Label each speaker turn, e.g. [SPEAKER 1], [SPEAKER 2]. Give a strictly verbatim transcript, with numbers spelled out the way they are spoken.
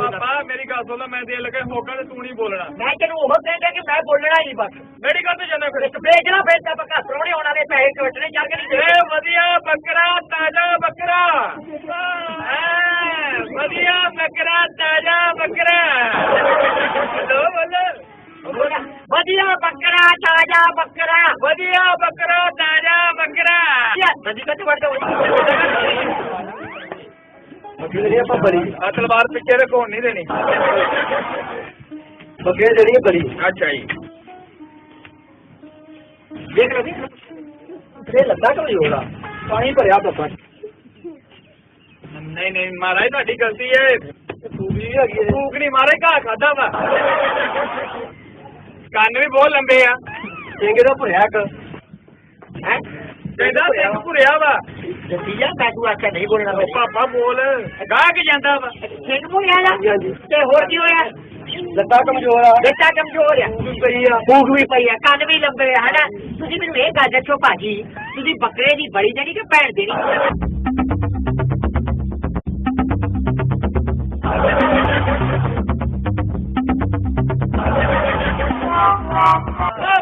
[SPEAKER 1] ਪਾਪਾ ਮੇਰੀ ਗੱਲ ਸੁਣ ਲੈ ਮੈਂ ਦੇ ਲਗਾ ਹੋਗਾ ਤੇ ਤੂੰ ਨਹੀਂ ਬੋਲਣਾ
[SPEAKER 2] ਮੈਂ ਤੈਨੂੰ ਉਹ ਕਹਿੰਦਾ ਕਿ ਮੈਂ ਬੋਲਣਾ ਹੀ ਬਸ
[SPEAKER 1] ਮੇਰੀ ਗੱਲ ਤੇ ਜਾਣਾ ਫਿਰ
[SPEAKER 2] ਇੱਕ ਵੇਚਣਾ ਫਿਰ ਤਾਂ ਪੱਕਾ ਪ੍ਰਾਹੁਣੇ ਆਉਣ ਵਾਲੇ ਪੈਸੇ ਕੱਟਣੇ ਚੱਲ ਕੇ ਨਹੀਂ
[SPEAKER 1] ਏ ਵਧੀਆ ਬੱਕਰਾ ਤਾਜ਼ਾ ਬੱਕਰਾ ਐ ਵਧੀਆ ਬੱਕਰਾ ਤਾਜ਼ਾ ਬੱਕਰਾ ਬੋਲੋ ਬੋਲੋ
[SPEAKER 2] ਵਧੀਆ ਬੱਕਰਾ ਤਾਜ਼ਾ ਬੱਕਰਾ
[SPEAKER 1] ਵਧੀਆ ਬੱਕਰਾ ਤਾਜ਼ਾ ਬੱਕਰਾ
[SPEAKER 2] ਸੱਜੀ ਕੱਟ ਵੜ ਦੋ
[SPEAKER 3] ਬੱਕਰੀ ਜਿਹੜੀ ਆਪਾਂ ਬੜੀ
[SPEAKER 1] ਆ ਤਲਵਾਰ ਪਿੱਛੇ ਰੱਖੋ ਨਹੀਂ ਦੇਣੀ
[SPEAKER 3] ਬੱਕਰੀ ਜਿਹੜੀ ਹੈ ਬੜੀ
[SPEAKER 1] ਅੱਛਾ ਜੀ
[SPEAKER 3] ਦੇਖ ਲਓ ਇਹ ਲੱਗਾ ਕਮਜ਼ੋਰ ਆ ਪਾਣੀ ਭਰਿਆ ਬੱਕਾ
[SPEAKER 1] ਨਹੀਂ ਨਹੀਂ ਮਹਾਰਾਜ ਤੁਹਾਡੀ ਗਲਤੀ ਹੈ
[SPEAKER 3] ਫੂਕ ਵੀ ਹੈਗੀ ਹੈ
[SPEAKER 1] ਭੂਖ ਨਹੀਂ ਮਾਰੇ ਘਾਹ ਖਾਦਾ ਵਾ ਕੰਨ ਵੀ ਬਹੁਤ ਲੰਬੇ ਆ
[SPEAKER 3] ਚੰਗੇ ਦਾ ਭਰਿਆ ਇੱਕ
[SPEAKER 2] ਹੈ
[SPEAKER 1] ਕਹਿੰਦਾ ਸਿੰਘ ਭੁਰਿਆ ਵਾ
[SPEAKER 2] ਜੱਟੀਆ ਮੈਂ ਤੂੰ ਆਖਿਆ ਨਹੀਂ ਬੋਲਣਾ
[SPEAKER 1] ਉਹ ਪਾਪਾ ਬੋਲ ਗਾਹ ਕੇ ਜਾਂਦਾ ਵਾ
[SPEAKER 2] ਸਿੰਘ ਭੁਰਿਆ
[SPEAKER 3] ਹਾਂਜੀ ਹਾਂਜੀ
[SPEAKER 2] ਤੇ ਹੋਰ ਕੀ ਹੋਇਆ
[SPEAKER 3] ਲੱਤਾਂ ਕਮਜ਼ੋਰ ਆ
[SPEAKER 2] ਬੱਚਾ ਕਮਜ਼ੋਰ ਆ
[SPEAKER 3] ਫੂਕ ਪਈ ਆ
[SPEAKER 2] ਭੂਖ ਵੀ ਪਈ ਆ ਕੰਨ ਵੀ ਲੰਬੇ ਆ ਹਨਾ ਤੁਸੀਂ ਮੈਨੂੰ ਇਹ ਗੱਲ ਦੱਸੋ ਭਾਜੀ ਤੁਸੀਂ ਬੱਕਰੇ ਦੀ ਬੜੀ ਦੇਣੀ ਕਿ ਭੈਣ ਦੇਣੀ